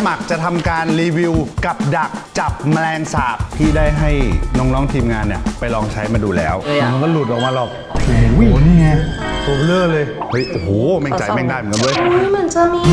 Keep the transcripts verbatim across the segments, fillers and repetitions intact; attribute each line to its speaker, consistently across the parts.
Speaker 1: หมักจะทำการรีวิวกับดักจับแมลงสาบที่ได้ให้น้องๆทีมงานเนี่ยไปลองใช้มาดูแล้วมันก็หลุดออกมาหรอกโอ้โหนี่ไงตัวเบลอเลยเฮ้ยโอ้โหแม่งใจแม่งได้เหมือนกันเว้ย
Speaker 2: นี่มันจะมี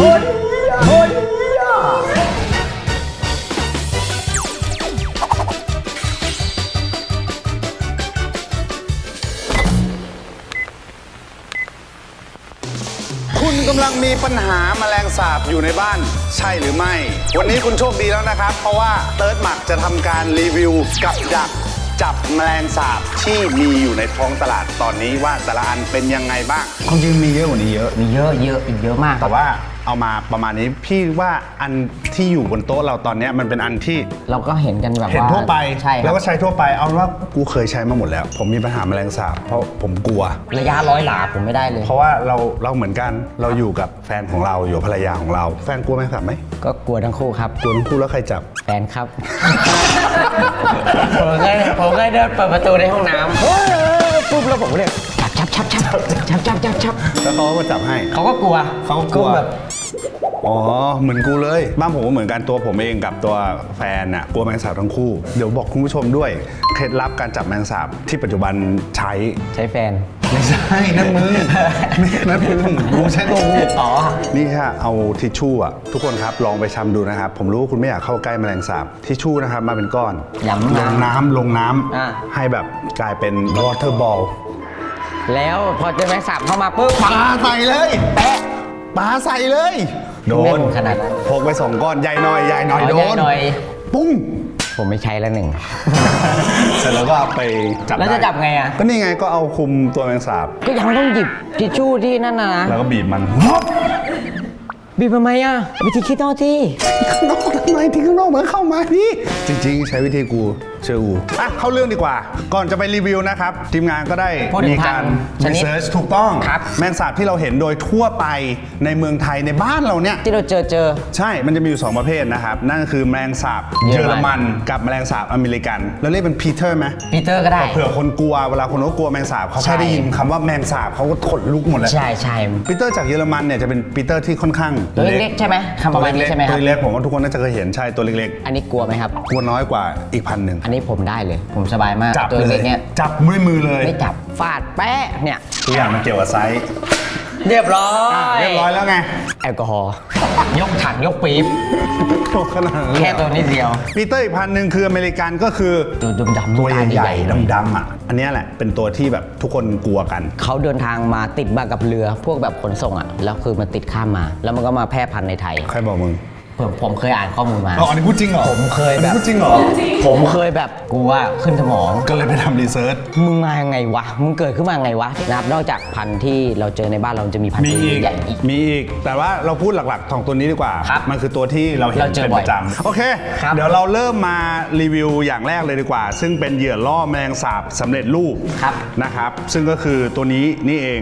Speaker 1: คุณกำลังมีปัญหาแมลงสาบอยู่ในบ้านใช่หรือไม่วันนี้คุณโชคดีแล้วนะครับเพราะว่าเติร์ดหมักจะทำการรีวิวกับดักจับแมลงสาบที่มีอยู่ในท้องตลาดตอนนี้ว่าแต่ละอันเป็นยังไงบ้างความจริงมีเยอะกว่านี้เยอะ
Speaker 3: มีเยอะเยอะอีกเยอะมาก
Speaker 1: แต่ว่าเอามาประมาณนี้พี่ว่าอันที่อยู่บนโต๊ะเราตอนนี้มันเป็นอันที่
Speaker 3: เราก็เห็นกันแบบว่า
Speaker 1: เห็นทั่วไป
Speaker 3: ใช่
Speaker 1: แล้วก็ใช้ทั่วไปเอาว่ากูเคยใช้มาหมดแล้วผมมีปัญหาแมลงสาบเพราะผมกลัว
Speaker 3: ระยะร้อยหลาผมไม่ได้เลย
Speaker 1: เพราะว่าเราเราเหมือนกันเราอยู่กับแฟนของเราอยู่ภรรยาของเราแฟนกลัวแมลงสาบไหม
Speaker 3: ก็กลัวทั้งคู่ครับ
Speaker 1: กลัวทั้งคู่แล้วใครจับ
Speaker 3: แฟนครับผมเคยผมเคยเดินเปิดประตูในห้องน้ำปุ๊บแล้วผมเนี่ยจับจับจับจับจับจับจับ
Speaker 1: แล้วเขาก็จับให้
Speaker 3: เขาก็กลัว
Speaker 1: เขาก็กลัวแบบอ๋อเหมือนกูเลยบ้านผมก็เหมือนกันตัวผมเองกับตัวแฟนน่ะกลัวแมลงสาบทั้งคู่เดี๋ยวบอกคุณผู้ชมด้วยเคล็ดลับการจับแมลงสาบที่ปัจจุบันใช้
Speaker 3: ใช้แฟน
Speaker 1: ไม่ใช่นั่นมึงนั่นมึงกูใช้ตัวกู
Speaker 3: อ๋อ
Speaker 1: นี่ค่ะเอาทิชชู่อ่ะทุกคนครับลองไปทำดูนะครับผมรู้ว่าคุณไม่อยากเข้าใกล้แมลงสาบทิชชู่นะครับมาเป็นก้อนลงน้ำลงน้ำให้แบบกลายเป็นวอเตอร์บอล
Speaker 3: แล้วพอเจอแมลงสาบเข้ามาปุ๊บ
Speaker 1: ปาใส่เลยแปะปาใส่เลยโดน
Speaker 3: ขนาด
Speaker 1: พกไปสองก้อนใหญ่หน่อยใหญ่หน่อยโดนปุ้ง
Speaker 3: ผมไม่ใช้แล้วหนึ่ง
Speaker 1: เสร็จแล้วก็ไปจับ
Speaker 3: แล้วจะจับไงอ่ะ
Speaker 1: ก็นี่ไงก็เอาคุมตัวแมงสาบ
Speaker 3: ก็ยังต้องหยิบทิชชู่ที่นั่นนะ
Speaker 1: แล้วก็บีบมัน
Speaker 3: บีบทำไมอ่ะวิธีคิดนอกที่
Speaker 1: ข้างนอกทำไมที่ข้างนอกเหมือนเข้ามาพี่จริงๆใช้วิธีกูเชื่อกูอ่ะเข้าเรื่องดีกว่าก่อนจะไปรีวิวนะครับทีมงานก็ได้มีการรีเสิร์ชถูกต้องแมงสาบที่เราเห็นโดยทั่วไปในเมืองไทยในบ้านเราเนี่ย
Speaker 3: ที่เราเจอเจอ
Speaker 1: ใช่มันจะมีอยู่สองประเภทนะครับนั่นก็คือแมลงสาบเยอรมันกับแมลงสาบอเมริกันแล้วเรียกเป็นพีเตอร์ไหม
Speaker 3: พีเตอร์ก็ได้
Speaker 1: เผื่อคนกลัวเวลาคนเขากลัวแมงสาบเขาแค่ได้ยินคำว่าแมงสาบเขาก็ขนลุกหมดเลย
Speaker 3: ใช่ใช่
Speaker 1: พีเตอร์จากเยอรมันเนี่ยจะเป็นพีเตอร์ที่ค่อนข้าง
Speaker 3: ตัวเล็กใช่ไหมคำประมาณนี้ใช่ไหมครับ
Speaker 1: ตัวเล็กผมว่าทุกคนน่าจะเคยเห็นใช่ตัวเล็ก
Speaker 3: ๆอันนี้กลัวไหมครับ
Speaker 1: กลัวน้อยกว่าอีกพันหนึ่ง
Speaker 3: อันนี้ผมได้เลยผมสบายมาก
Speaker 1: ตัวเล็กเนี้ยจับด้วยมือเลย
Speaker 3: ไม่จับฟาดแป๊ะเนี่ย
Speaker 1: ทุกอย่างมันเกี่ยวกับไซส์
Speaker 3: เรียบร้อย
Speaker 1: เรียบร้อยแล้วไง
Speaker 3: แอลกอฮอล์ยกถังยกปี๊บ
Speaker 1: ขนาด
Speaker 3: แค่ตัวนิดเดียว
Speaker 1: ปีเตอร์อีกพันหนึ่งคืออเมริกันก็คือ
Speaker 3: ตัวดำๆ
Speaker 1: ตัวใหญ่ๆดำๆอ่ะอันนี้แหละเป็นตัวที่แบบทุกคนกลัวกัน
Speaker 3: เขาเดินทางมาติดมากับเรือพวกแบบขนส่งอ่ะแล้วคือมันติดข้ามมาแล้วมันก็มาแพร่พันธุ์ในไทย
Speaker 1: ใครบอกมึง
Speaker 3: ผมผมเคยอ่านข้อมูลมา
Speaker 1: อ๋ออันนี้พูดจริงเหรอ
Speaker 3: ผมเคยแบบ
Speaker 1: พูดจริงเหรอ
Speaker 3: ผมเคยแบบกูว่าขึ้นสมอง
Speaker 1: ก็เลยไปทำรีเสิร์ช
Speaker 3: มึงมายังไงวะมึงเกิดขึ้นมาไงวะนับนอกจากพันธุ์ที่เราเจอในบ้านเราจะมีพันธุ์ใหญ่อีก
Speaker 1: มีอีกแต่ว่าเราพูดหลักๆของตัวนี้ดีกว่ามันคือตัวที่เราเห็นเป็นประจำโอเคเดี๋ยวเราเริ่มมารีวิวอย่างแรกเลยดีกว่าซึ่งเป็นเหยื่อล่อแมลงสาบสำเร็จรูปนะครับซึ่งก็คือตัวนี้นี่เอง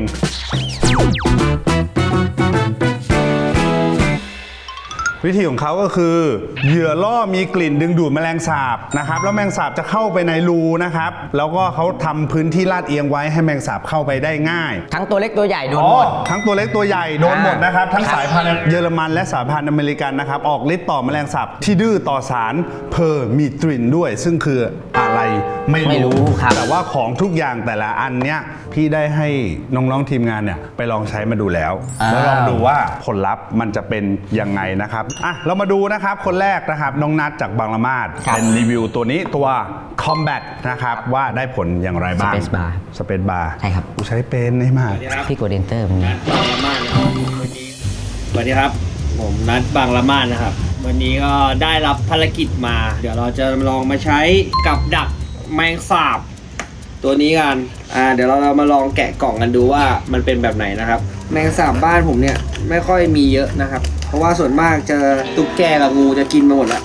Speaker 1: วิธีของเขาก็คือเหยื่อล่อมีกลิ่นดึงดูดแมลงสาบนะครับแล้วแมลงสาบจะเข้าไปในรูนะครับแล้วก็เขาทำพื้นที่ลาดเอียงไว้ให้แมลงสาบเข้าไปได้ง่าย
Speaker 3: ทั้งตัวเล็กตัวใหญ่โดนหมด
Speaker 1: ทั้งตัวเล็กตัวใหญ่โดนหมดนะครับทั้งสายพันธุ์เยอรมันและสายพันธุ์อเมริกันนะครับออกฤทธิ์ต่อแมลงสาบที่ดื้อต่อสารเพอร์มิทรินด้วยซึ่งคืออะไรไม่รู้แต่ว่าของทุกอย่างแต่ละอันเนี้ยพี่ได้ให้น้องๆทีมงานเนี่ยไปลองใช้มาดูแล้วแล้วลองดูว่าผลลัพธ์มันจะเป็นยังไงนะครับอ่ะเรามาดูนะครับคนแรกนะครับน้องนัทจากบางละมาดเป็นรีวิวตัวนี้ตัว Combat นะครับว่าได้ผลอย่างไรบ้าง
Speaker 3: Space Bar
Speaker 1: Space Bar
Speaker 3: ใช่ครับ
Speaker 1: กูใช้เป็นให้มาก
Speaker 3: พี่กด Enter มันนี้
Speaker 4: บางละมาดสวัสดีครับผมนัทบางละมาดนะครับวันนี้ก็ได้รับภารกิจมาเดี๋ยวเราจะลองมาใช้กับดักแมงสาบตัวนี้กันอ่าเดี๋ยวเราเรามาลองแกะกล่องกันดูว่ามันเป็นแบบไหนนะครับแมงสาบบ้านผมเนี่ยไม่ค่อยมีเยอะนะครับเพราะว่าส่วนมากเจอตุ๊กแกกับงูจะกินมาหมดละ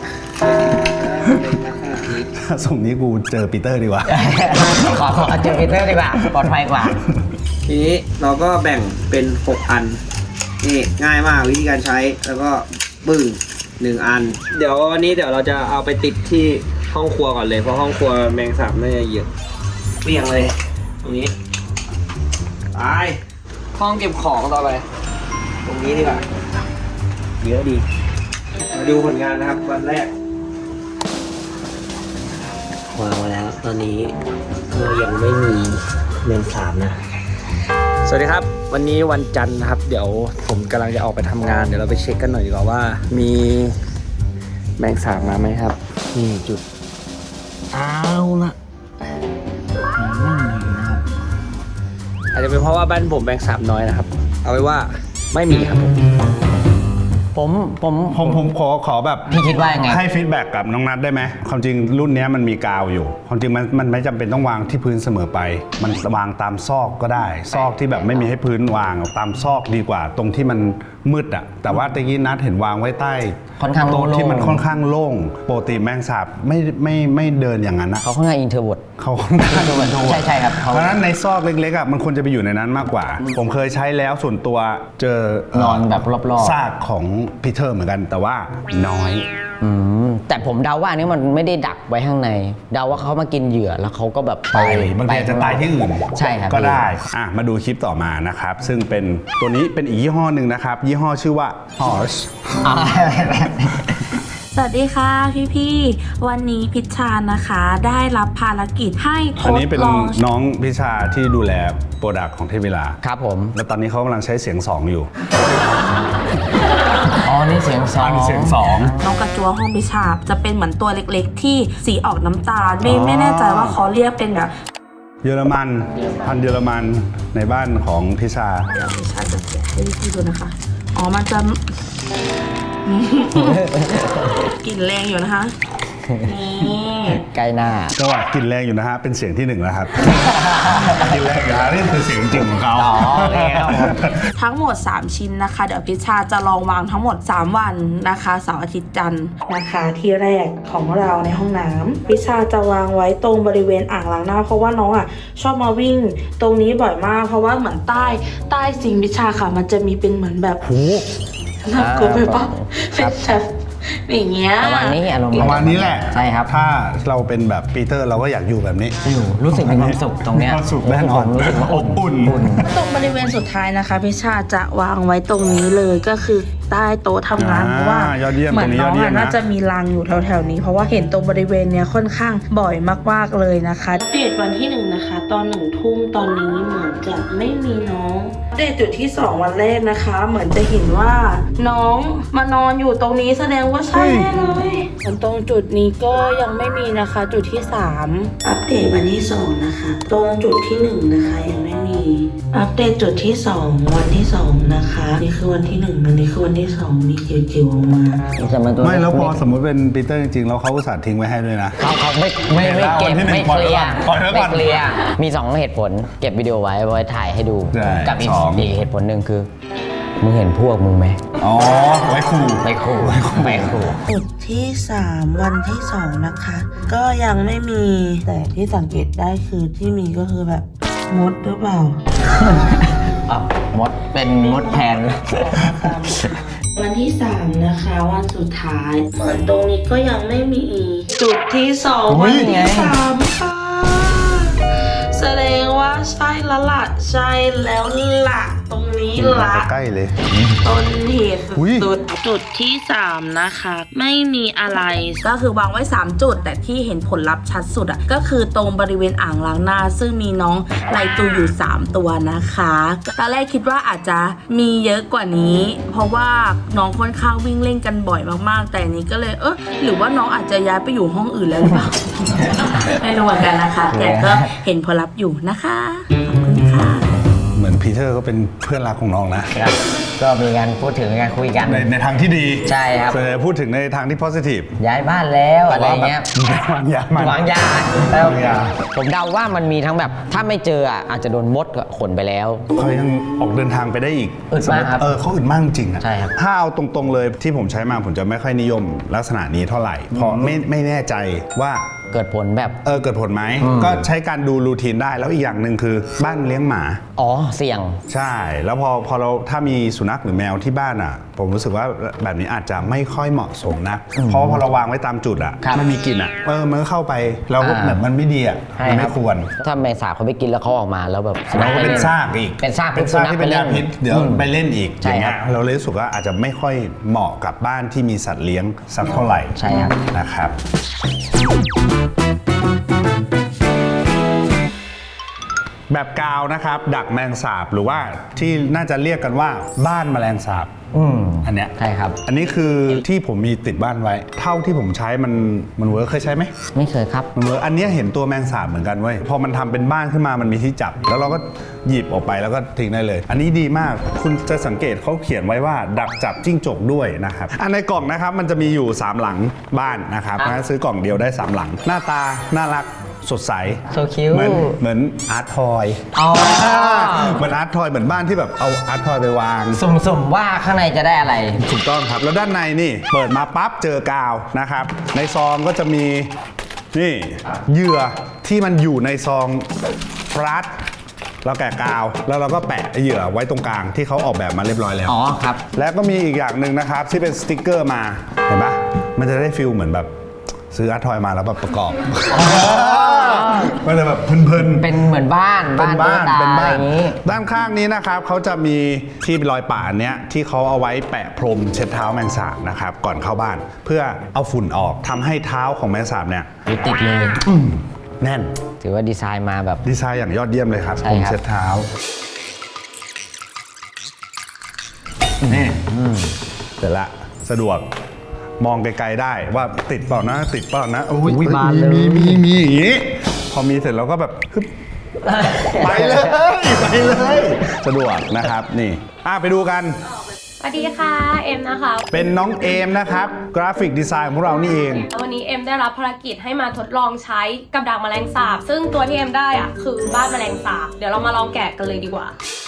Speaker 1: ส่งนี้กูเจอปีเตอร์ดีกว่า
Speaker 3: ขอขอเจอปีเตอร์ดีกว่าปลอดภัยกว่า
Speaker 4: ทีนี้เราก็แบ่งเป็นหกอันนี่ง่ายมากวิธีการใช้แล้วก็ปึ้งหนึ่งอันเดี๋ยววันนี้เดี๋ยวเราจะเอาไปติดที่ห้องครัวก่อนเลยเพราะห้องครัวแมงสาบน่าจะเยอะเปลี่ยงเลยตรงนี้ไปห้องเก็บของต่อไปตรงนี้ดีกว่าเยอะดีมาดูผลงานนะครับวันแรกวางมาแล้วตอนนี้ก็ยังไม่มีแมงสาบนะสวัสดีครับวันนี้วันจันทร์นะครับเดี๋ยวผมกำลังจะออกไปทำงานเดี๋ยวเราไปเช็คกันหน่อยดีกว่าว่ามีแมงสาบมาไหมครับนี่จุดเอาละไม่มีนะครับอาจจะเป็นเพราะว่าบ้านผมแมงสาบน้อยนะครับ เอาไว้ว่าไม่มีครับผมผมผม
Speaker 1: ผมผมขอขอแบบ
Speaker 3: พี่คิดว่ายังไง
Speaker 1: ให้ฟีดแบ็กกับน้องนัทได้ไหมความจริงรุ่นนี้มันมีกาวอยู่ความจริงมันมันไม่จำเป็นต้องวางที่พื้นเสมอไป มันวางตามซอกก็ได้ ซอกที่แบบไม่มีให้พื้นวางตามซอกดีกว่า ตรงที่มันมืดอะแต่ว่าตะกี้นัทเห็นวางไว้ใต้
Speaker 3: ค่อนข้างโล่ง
Speaker 1: โต๊ะที่มันค่อนข้างโล่งปกติแมงสาบไม่ไม่ไม่เดินอย่างนั้นนะ
Speaker 3: เขาค่อนข้างอินเทอร์วด
Speaker 1: เขาค่อนข้าง
Speaker 3: ใช่ใช่ครับเขา
Speaker 1: เพราะฉะนั้นในซอกเล็กๆอ่ะมันควรจะไปอยู่ในนั้นมากกว่า ผมเคยใช้แล้วส่วนตัวเจอน
Speaker 3: อนแบบรอบๆ
Speaker 1: ซากของพีเตอร์เหมือนกันแต่ว่าน้อย
Speaker 3: อืมแต่ผมเดาว่าอันนี้มันไม่ได้ดักไว้ข้างใน เดาว่าเขามากินเหยื่อแล้วเขาก็แบบ
Speaker 1: ไปบางทีอาจจะตายที่อื่น
Speaker 3: ใช่ครับ
Speaker 1: ก็ได้อ่ะมาดูคลิปต่อมานะครับ ซึ่งเป็นตัวนี้เป็นอีกยี่ห้อหนึ่งนะครับ ยี่ห้อชื่อว่า Horse
Speaker 3: อ่า
Speaker 2: สวัสดีค่ะพี่ๆ วันนี้พิชชานะคะ ได้รับภารกิจให้ท
Speaker 1: อัน
Speaker 2: ด
Speaker 1: นี้เป็น
Speaker 2: ลอง
Speaker 1: น้องพิชาที่ดูแลโปรดักต์ของเทพเวลา
Speaker 3: ครับผม
Speaker 1: แล้วตอนนี้เขากำลังใช้เสียงสองอยู่
Speaker 3: อ๋อนี่เสียงสอง
Speaker 1: อันนี้เสียงสอง
Speaker 2: น้องกระจัวห้องพิชาจะเป็นเหมือนตัวเล็กๆ ที่สีออกน้ำตาลไม่ไม่แน่ใจว่าเขาเรียกเป็นแบบ
Speaker 1: เยอรมันพันธุ์เยอรมันในบ้านของพิชา
Speaker 2: เดี๋ยวพิชาจะแกะให้พี่ๆดูนะคะ อ๋อมันจะ กลิ่นแรงอยู่นะคะนี่
Speaker 3: ใกล้หน้า
Speaker 1: ก็ว่ากลินแรงอยู่นะฮะ เป็นเสียงที่หนึ่งแล้วครับ กลินแรงอยู่นะนี่คือเสียงจริงของเขา
Speaker 3: อ๋อโอเคครับผม
Speaker 2: ทั้งหมด สาม ชิ้นนะคะ เดี๋ยวพิชชาจะลองวางทั้งหมด สาม วันนะคะเสาร์อาทิตย์จันทร์นะคะที่แรกของเราในห้องน้ำพิชชาจะวางไว้ตรงบริเวณอ่างล้างหน้าเพราะว่าน้องอ่ะชอบมาวิ่งตรงนี้บ่อยมาก เพราะว่าเหมือนใต้ใต้ซิงค์พิชชาค่ะ มันจะมีเป็นเหมือนแบบน่ากลัวไปปะเป็นแบบอย่างเงี้ย
Speaker 3: ประมาณนี้อารมณ์
Speaker 1: ประมาณนี้แหละ
Speaker 3: ใช่ครับ
Speaker 1: ถ้าเราเป็นแบบปีเตอร์เราก็อยากอยู่แบบนี้
Speaker 3: อยู่รู้สึกมีความสุขตรงเนี้ย
Speaker 1: มีความสุขแน่นอน
Speaker 3: ผมรู้สึกว่า
Speaker 1: อบอุ่น
Speaker 2: ตรงบริเวณสุดท้ายนะคะพิชชาจะวางไว้ตรงนี้เลยก็คือใต้โต๊ะทำงาน
Speaker 1: อ่า
Speaker 2: เพราะว่าย
Speaker 1: อดเยี่ยม
Speaker 2: เหมือน
Speaker 1: ตรงนี้
Speaker 2: น้อง
Speaker 1: ยอดเยี่ย
Speaker 2: อะ
Speaker 1: มนะ
Speaker 2: น่าจะมีรังอยู่แถวๆนี้เพราะว่าเห็นตรงบริเวณเนี้ยค่อนข้างบ่อยมากๆเลยนะคะเดตวันที่หนึ่งนะคะ ตอนหนึ่งทุ่มตอนนี้เหมือนจะไม่มีน้องเดตจุดที่สองวันแรกนะคะ เหมือนจะเห็นว่าน้องมานอนอยู่ตรงนี้แสดงว่าใช่แน่เลยส่วนตรงจุดนี้ก็ยังไม่มีนะคะ จุดที่สามอัปเดตวันที่สองนะคะ ตรงจุดที่หนึ่งนะคะยังไม่มีอัปเดตจุดที่สองวันที่สองนะคะนี่คือวันที่หนึ่งอันนี้คือวันที่สองมีจิ๋วๆออกมา
Speaker 3: จะาตัว
Speaker 1: ไม่แล้วพอสมมติเป็นปีเตอร์จริงๆแล้วเขาอุตส่าห์ทิ้งไว้ให้ด้วยนะ
Speaker 3: เขาเขาไม่ไม่ไม่เก็บ
Speaker 1: วันที่หนึ่ง
Speaker 3: ไม่เคลียร์
Speaker 1: ปล่อยไว้ก่
Speaker 3: ไม่
Speaker 1: อน
Speaker 3: เคลียร์มีสองเหตุผล เก็บวิดีโอไว้ไว้ถ่ายให้ดู
Speaker 1: ใช่
Speaker 3: กับอีก
Speaker 1: สอง
Speaker 3: อีกเหตุผลหนึ่งคือ มึงเห็นพวกมึงไหม
Speaker 1: อ๋อ ไว้ขู่
Speaker 3: ไปขู่ไปขู่
Speaker 2: จุดที่สามวันที่สองนะคะ ก็ยังไม่มีแต่ที่สังเกตได้คือที่มีก็คือแบบมดหรือเปล่า
Speaker 3: อ่ะมดเป็นมดแทน
Speaker 2: วันที่สามนะคะวันสุดท้ายเหมือนตรงนี้ก็ยังไม่มีอีกจุดที่สอง
Speaker 1: อุ๊
Speaker 2: วัน
Speaker 1: ย
Speaker 2: ที่สามค่ะแสดงว่าใช่ละละใช่แล้วละตรงนี้
Speaker 1: มา
Speaker 2: ละ
Speaker 1: ใกล้เลย
Speaker 2: ต้นเหตุ
Speaker 1: อุ๊ย
Speaker 2: สุดๆจุดที่สามนะคะ ไม่มีอะไรก็คือวางไว้สามจุด แต่ที่เห็นผลลัพธ์ชัดสุดอ่ะก็คือตรงบริเวณอ่างล้างหน้า ซึ่งมีน้องไลตูอยู่สามตัวนะคะตอนแรกคิดว่าอาจจะมีเยอะกว่านี้ เพราะว่าน้องค่อนข้างวิ่งเล่นกันบ่อยมากๆ แต่อันนี้ก็เลยเออหรือว่าน้องอาจจะย้ายไปอยู่ห้องอื่นแล้วหรือเปล่า ไม่รู้เหมือนกันนะคะ แต่ก็เห็นผลลัพธ์อยู่นะคะขอบคุณค่ะ
Speaker 1: เหมือนพีเตอร์ก็เป็นเพื่อนรักของน้องนะ
Speaker 3: ครับก็มีการพูดถึงการคุยกัน
Speaker 1: ในในทางที่ดี
Speaker 3: ใช่ครับ
Speaker 1: ส่วนใหญ่พูดถึงในทางที่ positive
Speaker 3: ย้ายบ้านแล้วอะไรเงี้ย
Speaker 1: วางยามัน
Speaker 3: วางยาแล้ว
Speaker 1: วางยา
Speaker 3: ผมเดาว่ามันมีทั้งแบบถ้าไม่เจออ่ะอาจจะโดนมดขนไปแล้ว
Speaker 1: เขายังออกเดินทางไปได้อีก
Speaker 3: อึดมากครับ
Speaker 1: เออเขาอึดมากจริงอะ
Speaker 3: ใช่ครับ
Speaker 1: ถ้าเอาตรงๆเลยที่ผมใช้มาผมจะไม่ค่อยนิยมลักษณะนี้เท่าไหร่ เพราะไม่ไม่แน่ใจว่า
Speaker 3: เกิดผลแบบ
Speaker 1: เออเกิดผลไหม ก็ใช้การดูรูทีนได้แล้วอีกอย่างหนึ่งคือบ้านเลี้ยงหมา
Speaker 3: อ๋อเสี่ยง
Speaker 1: ใช่ แล้วพอพอเราถ้ามีสุนัขหรือแมวที่บ้านอ่ะผมรู้สึกว่าแบบนี้อาจจะไม่ค่อยเหมาะสมนะเพราะพอเราวางไว้ตามจุดอ่ะมันมีกลิ่นอ่ะเออมันก็เข้าไปแล้วก็แบบมันไม่ดีอ่ะมันไม่ควร
Speaker 3: ถ้าแมงสาบเขาไปกินแล้วเขาออกมาแล้วแบบ
Speaker 1: แล้วก็เป็นซากอีก
Speaker 3: เป็นซาก
Speaker 1: เป็นซากที่เป็นยาพิษเดี๋ยวไปเล่นอีก
Speaker 3: ใช่
Speaker 1: อย่าง
Speaker 3: ครั
Speaker 1: เงี้
Speaker 3: บ
Speaker 1: ยเราเลยรู้สึกว่าอาจจะไม่ค่อยเหมาะกับบ้านที่มีสัตว์เลี้ยงสักเท่าไหร่
Speaker 3: ใช่ครับ
Speaker 1: นะครับ แบบกาวนะครับดักแมลงสาบหรือว่าที่น่าจะเรียกกันว่าบ้านแมลงสาบ
Speaker 3: อืม
Speaker 1: อันเนี้ย
Speaker 3: ใช่ครับ
Speaker 1: อันนี้คือที่ผมมีติดบ้านไว้ เท่าที่ผมใช้มันมันเวิร์คเคยใช้ไหม
Speaker 3: ไม่เคยครับ
Speaker 1: มันเวิร์คอันเนี้ยเห็นตัวแมงสาบเหมือนกันเว้ยพอมันทำเป็นบ้านขึ้นมามันมีที่จับ แล้วเราก็หยิบออกไปแล้วก็ทิ้งได้เลย อันนี้ดีมากคุณจะสังเกตเขาเขียนไว้ว่าดักจับจิ้งจกด้วยนะครับอันในกล่องนะครับมันจะมีอยู่สามหลังบ้านนะครับ
Speaker 3: ครับ
Speaker 1: นะซื้อกล่องเดียวได้สามหลัง หน้าตาน่ารักสดใส
Speaker 3: So cute
Speaker 1: เหมือนเหมือนอาร์ตทอย
Speaker 3: อ๋อ
Speaker 1: เหมือนอาร์ตทอยเหมือนบ้านที่แบบเอาอาร์ตทอยไปวาง
Speaker 3: สุ่มๆว่าข้างในจะได้อะไร
Speaker 1: ถูกต้องครับแล้วด้านในนี่เปิดมาปั๊บเจอกาวนะครับในซองก็จะมีนี่เหยื่อที่มันอยู่ในซองฟรัสเราแกะกาวแล้วเราก็แปะไอ้เหยื่อไว้ตรงกลางที่เขาออกแบบมาเรียบร้อยแล้ว
Speaker 3: อ๋อครับ
Speaker 1: แล้วก็มีอีกอย่างหนึ่งนะครับที่เป็นสติกเกอร์มาเห็นปะมันจะได้ฟิลเหมือนแบบซื้ออาร์ตทอยมาแล้วแบบประกอบมันจะแบบเพลินๆ
Speaker 3: เป็นเหมือนบ้าน
Speaker 1: เป็นบ้าน
Speaker 3: ตุ๊กต
Speaker 1: เป็นบ้าน
Speaker 3: อะไรอย่างนี้
Speaker 1: ด้านข้างนี้นะครับเขาจะมีที่รอยป่าเนี้ยที่เขาเอาไว้แปะพรมเช็ดเท้าแมงสาบนะครับก่อนเข้าบ้าน เพื่อเอาฝุ่นออกทำให้เท้าของแมงสาบเนี่ย
Speaker 3: อยู่ติดเลย
Speaker 1: แน่น
Speaker 3: ถือว่าดีไซน์มาแบบ
Speaker 1: ดีไซน์อย่างยอดเยี่ยมเลยครับ
Speaker 3: ใช่
Speaker 1: พรม
Speaker 3: ครับ
Speaker 1: เช็ดเท้านี่เสร็จละสะดวกมองไกลๆได้ว่าติดเปล่านะติดเปล่านะโอ้ย
Speaker 3: อุ๊ยบานเลย
Speaker 1: มีมีมีอย่างนี้พอมีเสร็จเราก็แบบฮึบ ไปเลยไปเลยสะดวกนะครับนี่อ่ะไปดูกัน
Speaker 5: สวัสดีค่ะ เอ็มนะคะ
Speaker 1: เป็นน้องเอมนะครับกราฟิกดีไซน์ของเรานี่เอง
Speaker 5: วันนี้เอ็มได้รับภารกิจให้มาทดลองใช้กับดักแมลงสาบ ซึ่งตัวที่เอ็มได้อะคือบ้านแมลงสาบ เดี๋ยวเรามาลองแกะกันเลยดีกว่า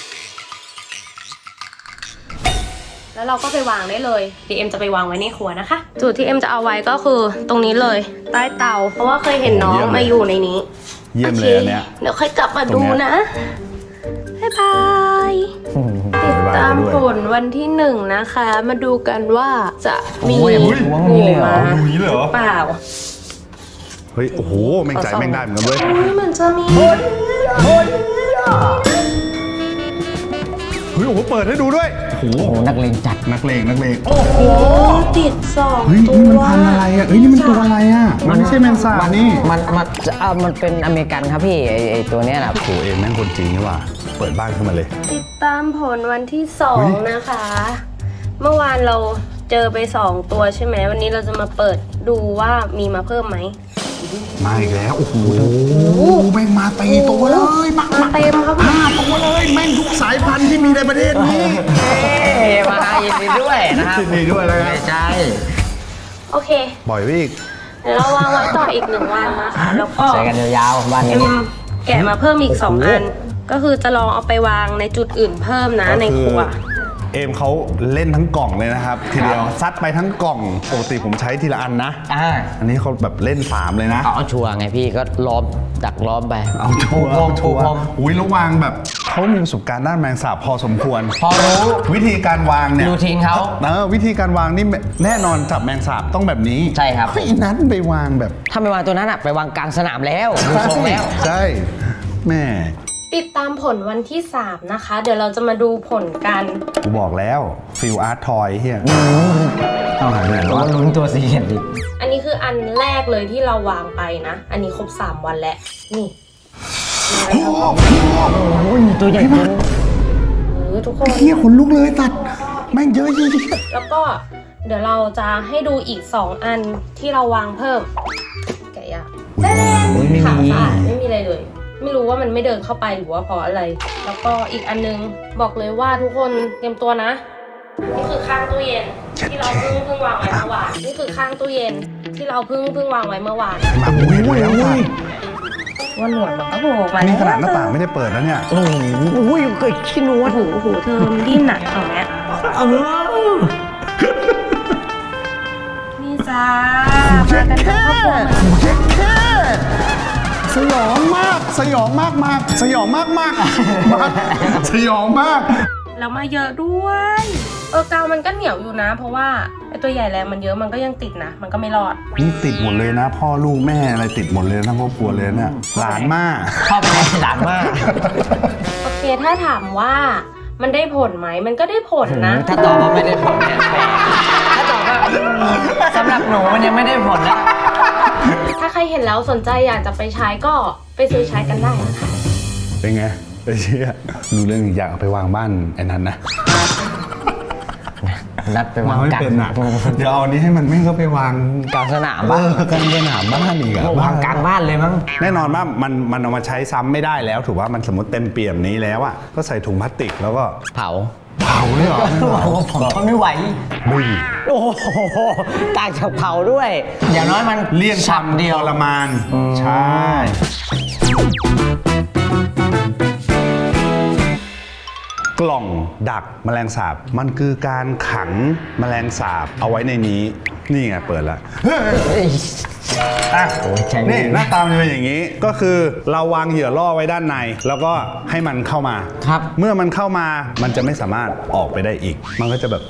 Speaker 5: แล้วเราก็ไปวางได้เลยเดี๋ยวเอ็มจะไปวางไว้ในครัวนะคะ จุดที่เอ็มจะเอาไว้ก็คือตรงนี้เลยใต้เตา เพราะว่าเคยเห็นน้อง
Speaker 1: เยี่ยมเลย
Speaker 5: มาอยู่ในนี้
Speaker 1: เยี่ยมเลยอันเนี้ย
Speaker 5: โอคเดี๋ยวค่อยกลับมา
Speaker 1: ตร
Speaker 5: ดู
Speaker 1: งเนี้ย
Speaker 5: นะบ๊ายบายติดตามผลวันที่หนึ่งนะคะ มาดูกันว่าจะมี
Speaker 3: โอ้ยโอ้ย
Speaker 5: งู
Speaker 3: เลยเหรอ
Speaker 5: มา
Speaker 1: ดูนี้เลยเหรอ
Speaker 5: เปล่า
Speaker 1: เฮ้ยโอ้โหแม่งใจแม่งได้เหมือนกันเว้ย
Speaker 5: นี่มันจะมี
Speaker 1: เฮ้ยโอ้โหเปิดให้ดูด้วยโอ้โห
Speaker 3: โอ้โหนักเลงจัด
Speaker 1: นักเลงนักเลงโอ้โห
Speaker 5: ติดสอง
Speaker 1: เฮ้ย
Speaker 5: ตั
Speaker 1: นี่
Speaker 5: ว
Speaker 1: มันพันธุ์อะไรอ่ะเฮ้ยนี่มันตัวอะไรอ่ะมันไม่ใช่แมงสาบนี่
Speaker 3: มันมันอ่ะมันเป็นอเมริกันครับพี่ไอไอตัวเนี้ยนะ
Speaker 1: โอ้โหเองแม่งคนจริงนี่หว่าเปิดบ้านขึ้นมาเลย
Speaker 5: ติดตามผลวันที่สอ
Speaker 1: เฮ้
Speaker 5: ง
Speaker 1: ย
Speaker 5: นะคะ เมื่อวานเราเจอไปสองตัวใช่ไหมวันนี้เราจะมาเปิดดูว่ามีมาเพิ่มไหม
Speaker 1: มาอีกแล้วโอ้โหแม่งมาตีตัวเลยมา
Speaker 5: มาเต็มครับ
Speaker 1: ห้าตัวเลยแม่งทุกสายพันธุ์ที่มีในประเทศนี้
Speaker 3: เฮ้มายินดีด้วยนะครับ
Speaker 1: ยินดีด้วยนะครับ
Speaker 3: ไม่ใช่
Speaker 5: โอเค
Speaker 1: บ่อยไปอีก
Speaker 5: เดี๋ยวเราวางไว้ต่ออีกหนึ่งวันนะคะแล้วก็
Speaker 3: ใช้กันยาวๆบ้าน
Speaker 5: เอ็
Speaker 3: นี้
Speaker 5: มแกะมาเพิ่มอีกสอง
Speaker 1: โอ้โห
Speaker 5: อัน ก็คือจะลองเอาไปวางในจุดอื่นเพิ่มนะในครัว
Speaker 1: เอมเขาเล่นทั้งกล่องเลยนะครับ ทีเดียวซัดไปทั้งกล่องปกติผมใช้ทีละอันนะ
Speaker 3: อ่า
Speaker 1: อันนี้เขาแบบเล่นสามเลยนะ
Speaker 3: เอาชัวร์ไงพี่ก็ล้อมดักล้อมไป
Speaker 1: เอาชัวร์เอาชัวร์
Speaker 3: ผม
Speaker 1: อุ้ยแล้ววางแบบเขามีประสบการณ์ด้านแมงสาบพอสมควร
Speaker 3: พอรู้
Speaker 1: วิธีการวางเนี่ย
Speaker 3: รูทีนเขา
Speaker 1: เออวิธีการวางนี่แน่นอนจับแมงสาบต้องแบบนี้
Speaker 3: ใช่ครับ
Speaker 1: ไอ้นั้นไปวางแบบ
Speaker 3: ถ้าไม่วางตัวนั้นอะไปวางกลางสนามแล้วดูทรงแล้ว
Speaker 1: ใช่แม่
Speaker 5: ติดตามผลวันที่สามนะคะ เดี๋ยวเราจะมาดูผลกัน
Speaker 1: กูบอกแล้วฟิลอาร์ตทอยเฮียเอาหายไปไหน
Speaker 3: ตัว
Speaker 1: วะ
Speaker 3: ลุ้นตัวสีเห็นดิ
Speaker 5: อันนี้คืออันแรกเลยที่เราวางไปนะ อันนี้ครบสามวันแล้ว นี่
Speaker 3: โอ้ยตัวใหญ่จัง
Speaker 5: เออทุกคน
Speaker 1: เฮียขนลุกเลยตัดแม่งเยอะจริง
Speaker 5: แล้วก็เดี๋ยวเราจะให้ดูอีกสองอันที่เราวางเพิ่ม แกะยากแน่ๆขาสะอาดไม่มีอะไรเลย ไม่รู้ว่ามันไม่เดินเข้าไปหรือว่าเพราะอะไร แล้วก็อีกอันนึงบอกเลยว่าทุกคนเตรียมตัวนะ นี่คือข้างตู้เย็นที่เราเพิ่งเพิ่งวางไว้เมื่อวาน นี่คือข้างตู้เย็นที่เราเพิ่งเพิ่งวางไว้เมื่อวาน
Speaker 1: ๆมาอุ้ยแล้วตัด
Speaker 5: ว่าหนวดมันก็โผล่มา
Speaker 1: นี่
Speaker 5: แล้ว
Speaker 1: ขนาดหน้าต่างไม่ได้เปิดแล้วเนี่ย
Speaker 3: โอ้โหอุ้ยเกิดขี้นวด
Speaker 5: หูหูเธอมันดิ้นหนักตรงเนี้ย
Speaker 3: เออ
Speaker 5: นี่จ้ามากันทั้งครอบครัวเหมือน
Speaker 1: เจ๊แค่สยองมาก สยองมากมากสยองมากมากมากสยองมาก
Speaker 5: แล้วมาเยอะด้วยเออกาวมันก็เหนียวอยู่นะ เพราะว่าไอตัวใหญ่แรงมันเยอะมันก็ยังติดนะมันก็ไม่รอด
Speaker 1: นี่ติดหมดเลยนะ พ่อลูกแม่อะไรติดหมดเลยทั้งครอบครัวเลยเนี่ยหลานมาก
Speaker 3: ชอบอะไรหลานมาก
Speaker 5: โอเคถ้าถามว่ามันได้ผลไหมมันก็ได้ผลนะ
Speaker 3: ถ้าตอบว่าไม่ได้ผลเนี่ยแปลกถ้าตอบว่าสำหรับหนูมันยังไม่ได้ผลนะ
Speaker 5: ถ้าใครเห็นแล้วสนใจอยากจะไปใช้ก็ไปซื้อใช้กันได้นะคะ
Speaker 1: เป็นไงไปเชื่อดูเรื่องอยากเอาไปวางบ้านไอ้นั้นนะ
Speaker 3: นัดไปวาง
Speaker 1: ไม่
Speaker 3: กลาง
Speaker 1: เป็นอ่ะเดี๋ยวเอาอันนี้ให้มันไม่เข้าไปวาง
Speaker 3: กลางสนาม
Speaker 1: เอ
Speaker 3: บ้าน
Speaker 1: อกลางสนามบ้านอีกอะ
Speaker 3: วางกลางบ้านเลยมั้ง
Speaker 1: แน่นอนว่ามันมันเอามาใช้ซ้ำไม่ได้แล้วถือว่ามันสมมติเต็มเปี่ยมนี้แล้วอ่ะก็ใส่ถุงพลาสติกแล้วก็
Speaker 3: เผา
Speaker 1: เผาเลยเหรอ
Speaker 3: ผมก็ไม่ไหว
Speaker 1: บุย
Speaker 3: โอ้โหต่างจากเผาด้วย อย่างน้อยมัน
Speaker 1: เลี่ยงความ
Speaker 3: เดียว
Speaker 1: ทรมาน
Speaker 3: อืม
Speaker 1: ใช่กล่องดักแมลงสาบมันคือการขังแมลงสาบเอาไว้ในนี้นี่ไงเปิดแล้ว อ่ะ
Speaker 3: โอ้ยใช่
Speaker 1: นี่หน้าตามันจะเป็นอย่างนี้ก็คือเราวางเหยื่อล่อไว้ด้านใน แล้วก็ให้มันเข้ามา
Speaker 3: ครับ
Speaker 1: เมื่อมันเข้ามามันจะไม่สามารถออกไปได้อีก มันก็จะแบบ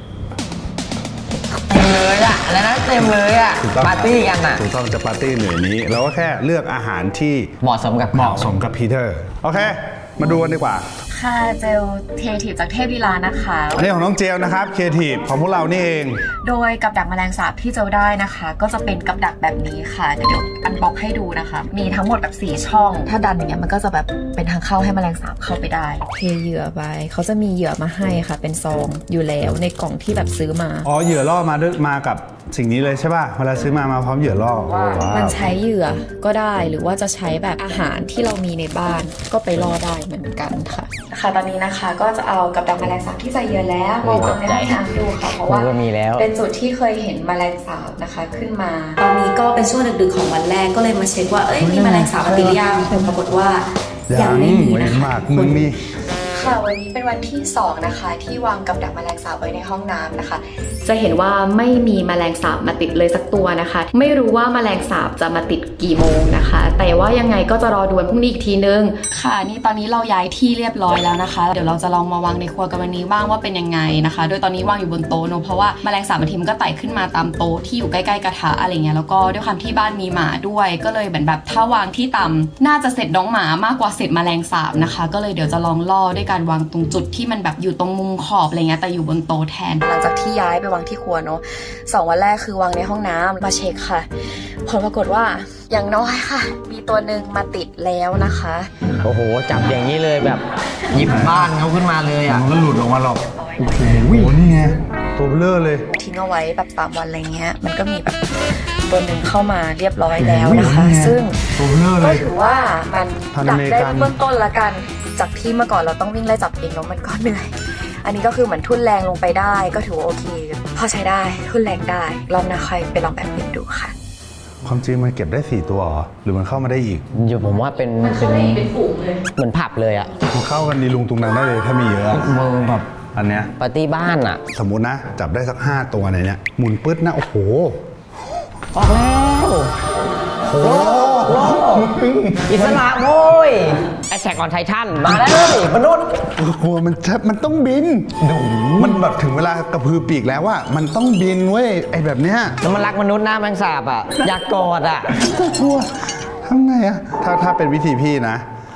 Speaker 3: เต็มเลยอะแล้วนะเต็มเลยอะ
Speaker 1: ถูกต้อง
Speaker 3: ปาร์ตี้กันอะ
Speaker 1: ถูกต้องจะปาร์ตี้เหนือนี้เราก็แค่เลือกอาหารที่
Speaker 3: เหมาะสมกับ
Speaker 1: เหมาะสมกับพีเตอร์โอเค มาดูกันดีกว่า
Speaker 6: ค่ะเจลเททีฟจากเทพลีลานะคะ
Speaker 1: อันนี้ของน้องเจลนะครับครีเอทีฟของพวกเรานี่เอง
Speaker 6: โดยกับดักแมลงสาบที่เจลได้นะคะ ก็จะเป็นกับดักแบบนี้ค่ะเดี๋ยวอันบ็อกให้ดูนะคะ มีทั้งหมดแบบสี่ช่อง ถ้าดันอย่างเงี้ยมันก็จะแบบเป็นทางเข้าให้แมลงสาบเข้าไปได้
Speaker 7: เทเหยื่อไปเขาจะมีเหยื่อมาให้ค่ะ เป็นซองอยู่แล้วในกล่องที่แบบซื้อมา
Speaker 1: อ๋อเหยื่อล่อมาด้วยมากับสิ่งนี้เลยใช่ป่ะเวลาซื้อมามาพร้อมเหยื่อล่อว้าว
Speaker 7: มันใช้เหยื่อก็ได้หรือว่าจะใช้แบบอาหารที่เรามีในบ้านก็ไปล่อได้เหมือนกันค่ะ
Speaker 6: ค่ะตอนนี้นะคะก็จะเอากับดักแมลงสาบที่ใส่เหยื่อแล้วมาวางในห้องน้ำดูค่ะเพราะว่า
Speaker 3: ก็มีแล้ว
Speaker 6: เป็นจุดที่เคยเห็นแมลงสาบนะคะขึ้นมา
Speaker 7: ตอนนี้ก็เป็นช่วงดึกๆของวันแรกก็เลยมาเช็คว่าเอ้ยมีแมลงสาบมาติดหรือยังผลปรากฏว่ายังไม่มี
Speaker 1: เว้
Speaker 7: นะ
Speaker 1: น
Speaker 7: คะ
Speaker 1: มากมึงนี่
Speaker 6: ค่ะวันนี้เป็นวันที่สองนะคะที่วางกับดักแมลงสาบไว้ในห้องน้ำนะคะ
Speaker 7: จะเห็นว่าไม่มีแมลงสาบมาติดเลยสักตัวนะคะ ไม่รู้ว่าแมลงสาบจะมาติดกี่โมงนะคะ แต่ว่ายังไงก็จะรอดูวันพรุ่งนี้อีกทีนึง
Speaker 6: ค่ะนี่ตอนนี้เราย้ายที่เรียบร้อยแล้วนะคะ เดี๋ยวเราจะลองมาวางในครัวกันวันนี้บ้างว่าเป็นยังไงนะคะ โดยตอนนี้วางอยู่บนโต๊ะเนอะเพราะว่าแมลงสาบบางทีมันก็ไต่ขึ้นมาตามโต๊ะที่อยู่ใกล้ๆกระทะอะไรเงี้ยแล้วก็ด้วยความที่บ้านมีหมาด้วย ก็เลยเหมือนแบบถ้าวางที่ต่ำน่าจะเสร็จน้องหมามากกว่าเสร็จแมลงสาบนะคะ ก็เลยเดี๋ยวจะลองล่อด้วยการวางตรงจุดที่มันแบบอยู่ตรงมุมขอบอะไรเงี้ยแต่อยู่บนโต๊ะแทนหลังจากที่ย้ายไปวางที่ครัวเนอะสองวันแรกคือวางในห้องน้ำมาเช็คค่ะผลปรากฏว่าอย่างน้อยค่ะ มีตัวหนึ่งมาติดแล้วนะคะ
Speaker 3: โอ้โหจับอย่างนี้เลยแบบหยิบบ้านเขาขึ้นมาเลยอะ
Speaker 1: มันก็หลุดออกมาหรอกโอ้โหนี่ไงตัวเบลอเลย
Speaker 6: ทิ้งเอาไว้แบบสามวันอะไรเงี้ยมันก็มีแบบตัวหนึ่งเข้ามาเรียบร้อยแล้วนะคะ
Speaker 1: โอ้โห
Speaker 6: ซึ่ง
Speaker 1: ตัวเบลอเล
Speaker 6: ก็
Speaker 1: ย
Speaker 6: ถือว่ามัน
Speaker 1: พันธุ์
Speaker 6: ดั
Speaker 1: อก เมริ
Speaker 6: ได้
Speaker 1: กัน
Speaker 6: เบื้องต้นละกันจากที่เมื่อก่อนเราต้องวิ่งไล่จับเองแล้วมันก็เหนื่อย อันนี้ก็คือเหมือนทุ่นแรงลงไปได้ก็ถือว่าโอเค พอใช้ได้ทุ่นแรงได้รอบหน้าใครไปลองแบบนี้ดูค่ะ
Speaker 1: ความจริงมันเก็บได้สี่ตัวเหรอหรือมันเข้ามาได้อีก
Speaker 3: อยู่ผมว่าเป็นเป็นเป็นฝูงเลยเหมือนผับเลยอะ
Speaker 1: มันเข้ากันดีลุงตุงนังได้เลยถ้ามีเยอะ
Speaker 3: มือแบบ
Speaker 1: อันเนี้ย
Speaker 3: ปาร์ตี้บ้านอะ
Speaker 1: สมมุตินะ จับได้สักห้าตัวในเนี้ยหมุนปึ๊ดนะโอ้โห
Speaker 3: ออกแล้วโอ้โหอิสระโว้ยไอแซกออนไททันมาแล้วเลยมนุษย์
Speaker 1: กลัวมันจะมันต้องบินมันแบบถึงเวลากระพือปีกแล้วว่ามันต้องบินเว้ยไอแบบเนี้ย
Speaker 3: แล้วมันรักมนุษย์หน้าแมงสาบอะอยากกอดอะ
Speaker 1: กลัวทำไงอะถ้าถ้าเป็นวิธีพี่นะ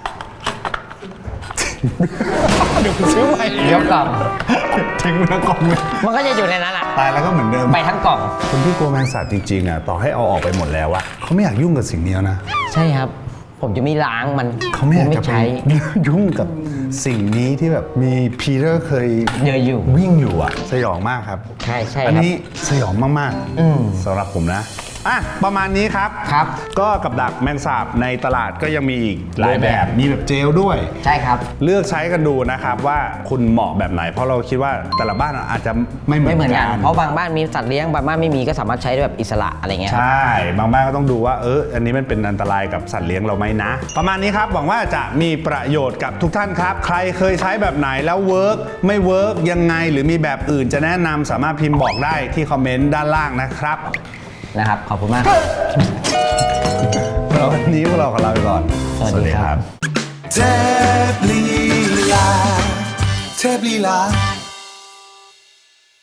Speaker 1: เดี๋ยวซื้อใหม่
Speaker 3: เดี๋ยวกล่อง
Speaker 1: ทิ้งไว้กล่องเลย
Speaker 3: มันก็จะอยู่ในนั้นอะ
Speaker 1: ตายแล้วก็เหมือนเดิม
Speaker 3: ไปทั้งกล่อง
Speaker 1: คนที่กลัวแมงสาบจริงๆอะต่อให้เอาออกไปหมดแล้วอะเขาไม่อยากยุ่งกับสิ่งนี้แล้วนะ
Speaker 3: ใช่ครับ ผมจะไม่ล้างมัน
Speaker 1: เขาไม่อยาก
Speaker 3: ไม่
Speaker 1: จะไป
Speaker 3: ใช้
Speaker 1: ยุ่งกับสิ่งนี้ที่แบบมีพีเตอร์เคย
Speaker 3: เยอะอยู่
Speaker 1: วิ่งอยู่อะสยองมากครับ
Speaker 3: ใช่ใช่
Speaker 1: อัน
Speaker 3: ครับ
Speaker 1: นี้สยองมาก
Speaker 3: อืม
Speaker 1: ๆสำหรับผมนะอ่ะประมาณนี้ครับ
Speaker 3: ครับ
Speaker 1: ก็กับดักแมงสาบในตลาดก็ยังมีอีกหลายแบบมีแบบเจลด้วย
Speaker 3: ใช่ครับ
Speaker 1: เลือกใช้กันดูนะครับว่าคุณเหมาะแบบไหน เพราะเราคิดว่าแต่ละบ้านอาจจะไม่เหมื
Speaker 3: ไม่
Speaker 1: อน
Speaker 3: เหมือน
Speaker 1: กั
Speaker 3: กัน
Speaker 1: น
Speaker 3: เพราะบางบ้านมีสัตว์เลี้ยงบางบ้านไม่มีก็สามารถใช้ได้แบบอิสระอะไรเงี้ย
Speaker 1: ใช่ บางบ้านก็ต้องดูว่าเอออันนี้มันเป็นอันตรายกับสัตว์เลี้ยงเราไหมนะ ประมาณนี้ครับหวังว่าจะมีประโยชน์กับทุกท่านครับ ใครเคยใช้แบบไหนแล้วเวิร์กไม่เวิร์กยังไงหรือมีแบบอื่นจะแนะนำสามารถพิมพ์บอกได้ที่คอมเมนต์ด้านล่างนะครับ
Speaker 3: นะครับ ขอบคุณมาก
Speaker 1: แล้ววันนี้พวกเราขอลาไปก่อน
Speaker 3: สวัสดีครับ
Speaker 1: เทพลีลาเท
Speaker 8: เทพลีลา